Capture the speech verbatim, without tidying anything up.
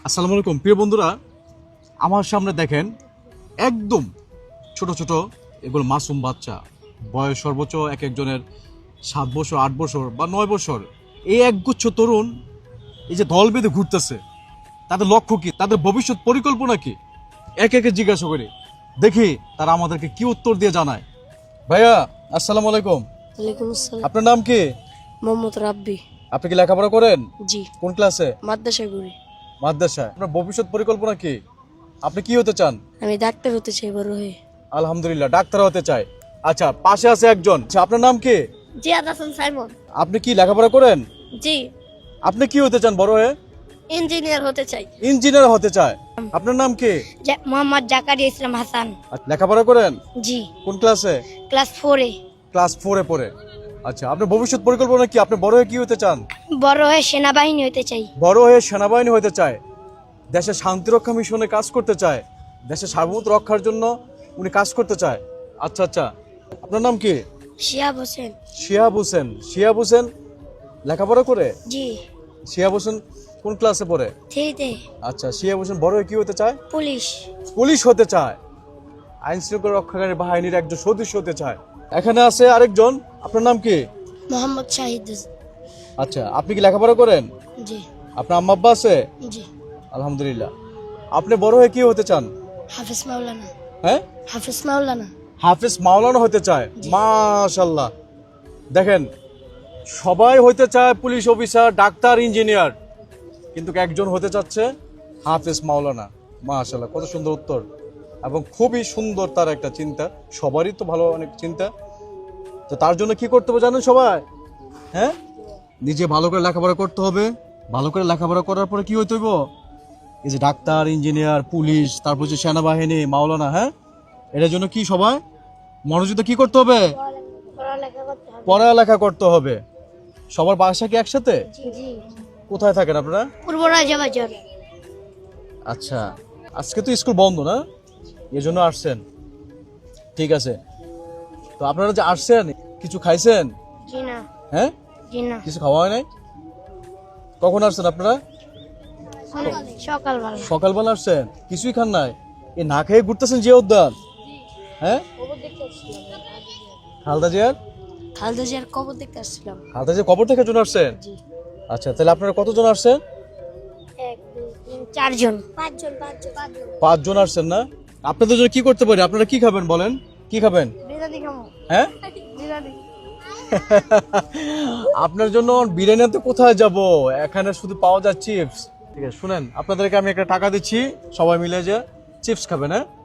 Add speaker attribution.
Speaker 1: আসসালামু আলাইকুম প্রিয় বন্ধুরা, আমার সামনে দেখেন একদম ছোট ছোট এগুলো মাসুম বাচ্চা, বয়স সর্বোচ্চ এক একজনের সাত বছর আট বছর বা নয় বছর। এই একগুচ্ছ তরুণ এই যে দল বেঁধে ঘুরতেছে, তাদের লক্ষ্য কি, তাদের ভবিষ্যৎ পরিকল্পনা কি, একে একে জিজ্ঞাসা করি, দেখি তারা আমাদেরকে কি উত্তর দিয়ে জানায়। ভাইয়া আসসালামু আলাইকুম।
Speaker 2: ওয়ালাইকুম আসসালাম।
Speaker 1: আপনার নাম কি?
Speaker 2: মোহাম্মদ রাব্বি।
Speaker 1: আপনি কি লেখাপড়া করেন?
Speaker 2: জি।
Speaker 1: কোন ক্লাসে?
Speaker 2: মাদ্রাসায় পড়ি।
Speaker 1: মাদ্রাসায়। আপনার ভবিষ্যৎ পরিকল্পনা কি? আপনি কি হতে চান?
Speaker 2: আমি ডাক্তার হতে চাই বড় হয়ে।
Speaker 1: আলহামদুলিল্লাহ, ডাক্তার হতে চাই। আচ্ছা, পাশে আছে একজন। আচ্ছা, আপনার নাম কি?
Speaker 2: জিয়াদ হাসান সাইমন।
Speaker 1: আপনি কি লেখাপড়া করেন?
Speaker 2: জি।
Speaker 1: আপনি কি হতে চান বড় হয়ে?
Speaker 2: ইঞ্জিনিয়ার হতে চাই।
Speaker 1: ইঞ্জিনিয়ার হতে চায়। আপনার নাম কি?
Speaker 2: মোহাম্মদ জাকারিয়া ইসলাম হাসান।
Speaker 1: আচ্ছা, লেখাপড়া করেন?
Speaker 2: জি।
Speaker 1: কোন ক্লাসে?
Speaker 2: ক্লাস ফোরে।
Speaker 1: ক্লাস ফোরে পড়ে। আচ্ছা, আপনার ভবিষ্যৎ পরিকল্পনা কি? আপনি বড় হয়ে কি হতে চান?
Speaker 2: বড় হয়ে সেনাবাহিনী হতে চাই।
Speaker 1: বড় হয়ে সেনাবাহিনী হতে চায়, দেশের শান্তিরক্ষা মিশনে কাজ করতে চায়, দেশের সার্বভৌমত্ব রক্ষার জন্য উনি কাজ করতে চায়। আচ্ছা আচ্ছা, আপনার নাম কি?
Speaker 2: শিহাব হোসেন।
Speaker 1: শিহাব হোসেন। শিহাব হোসেন লেখাপড়া করে?
Speaker 2: জি।
Speaker 1: শিহাব হোসেন কোন ক্লাসে পড়ে?
Speaker 2: থ্রিতে।
Speaker 1: আচ্ছা, শিহাব হোসেন বড় হয়ে কি হতে চায়?
Speaker 2: পুলিশ।
Speaker 1: পুলিশ হতে চায়, আইন শৃঙ্খলা রক্ষাকারী বাহিনীর একজন সদস্য হতে চায়। এখানে আছে আরেকজন। আপনার নাম কি?
Speaker 2: মোহাম্মদ শাহিদ।
Speaker 1: আচ্ছা, আপনি কি লেখাপড়া করেন?
Speaker 2: জি।
Speaker 1: আপনার আম্মা আব্বা আছে?
Speaker 2: জি।
Speaker 1: আলহামদুলিল্লাহ। আপনি বড় হয়ে কি হতে চান?
Speaker 2: হাফিজ মাওলানা।
Speaker 1: হ্যাঁ,
Speaker 2: হাফিজ মাওলানা।
Speaker 1: হাফিজ মাওলানা হতে চায়। মাশাআল্লাহ। দেখেন, সবাই হতে চায় পুলিশ অফিসার, ডাক্তার, ইঞ্জিনিয়ার, কিন্তু একজন হতে চাচ্ছে হাফিজ মাওলানা। মাশাআল্লাহ, কত সুন্দর উত্তর এবং খুবই সুন্দর তার একটা চিন্তা। সবারই তো ভালো অনেক চিন্তা। তো তার জন্য কি করতে হবে জানেন সবাই? হ্যাঁ, নিজে ভালো করে লেখাপড়া করতে হবে। ভালো করে লেখাপড়া করার পরে কি হইতে হইব? এই যে ডাক্তার, ইঞ্জিনিয়ার, পুলিশ, তারপর হচ্ছে সেনাবাহিনী, মাওলানা। হ্যাঁ, এটার জন্য কি সবাই মনোযোগ দিয়ে কি করতে হবে? পড়ালেখা করতে হবে। সবার বাসা কি একসাথে?
Speaker 2: জি।
Speaker 1: কোথায় থাকেন আপনারা?
Speaker 2: পূর্ব রাজাবাজার।
Speaker 1: আচ্ছা, আজকে তো স্কুল বন্ধ না, এই জন্য আসছেন। ঠিক আছে, তো আপনারা যে আসছেন কিছু খাইছেন?
Speaker 2: জি না।
Speaker 1: হ্যাঁ,
Speaker 2: জি না।
Speaker 1: কিছু খাওয়া হয় নাই? কখন আসছেন আপনারা?
Speaker 2: সকালবেলা।
Speaker 1: সকালবেলা আসছেন, কিছুই খান নাই? এ না খেয়ে ঘুরতেছেন যে উদ্যান? হ্যাঁ, খালদা জিয়ার
Speaker 2: খালদা জিয়ার কবর দেখতে আসছিলাম।
Speaker 1: খালদা জিয়ার কবর থেকে জন আসছেন?
Speaker 2: জি।
Speaker 1: আচ্ছা, তাহলে আপনারা কতজন আসছেন?
Speaker 2: এক দুই তিন চারজন। পাঁচজন পাঁচজন পাঁচজন।
Speaker 1: পাঁচজন আসছেন না? আপনাদের জন্য কি করতে পারি? আপনারা কি খাবেন বলেন? কি খাবেন?
Speaker 2: বিরিয়ানি খাবো।
Speaker 1: হ্যাঁ,
Speaker 2: বিরিয়ানি।
Speaker 1: আপনার জন্য বিরিয়ানি আনতে কোথায় যাব? এখানে শুধু পাওয়া যায় চিপস। ঠিক আছে, শুনেন, আপনাদেরকে আমি একটা টাকা দিচ্ছি, সবাই মিলে যে চিপস খাবেন। হ্যাঁ,